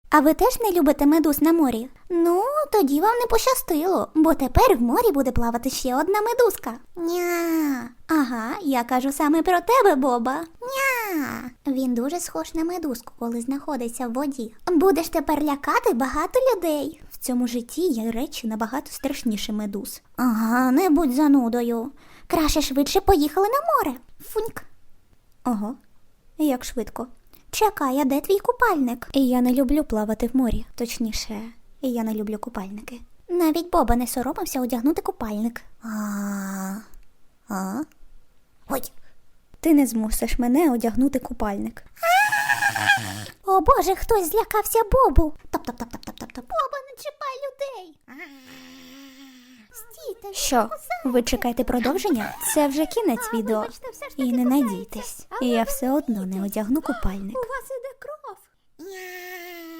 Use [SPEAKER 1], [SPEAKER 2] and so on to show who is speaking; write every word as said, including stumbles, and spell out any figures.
[SPEAKER 1] А ви теж не любите медуз на морі? Ну, тоді вам не пощастило, бо тепер в морі буде плавати ще одна медузка. Ня. Ага, я кажу саме про тебе, Боба. Ня. Він дуже схож на медузку, коли знаходиться в воді. Будеш тепер лякати багато людей. В цьому житті є речі набагато страшніші медуз. Ага, не будь занудою. Краще швидше поїхали на море. Фуньк. Ого, як швидко. Чекай, а де твій купальник? Я не люблю плавати в морі. Точніше, я не люблю купальники. Навіть Боба не соромився одягнути купальник. А. А? Ой. Ти не змусиш мене одягнути купальник. О Боже, хтось злякався Бобу. Топ-топ-топ-топ-топ-топ. Боба, не чіпай людей. Стійте. Що, ви чекаєте продовження? Це вже кінець відео. І не надійтесь, я все одно не одягну купальник.
[SPEAKER 2] У вас іде кров.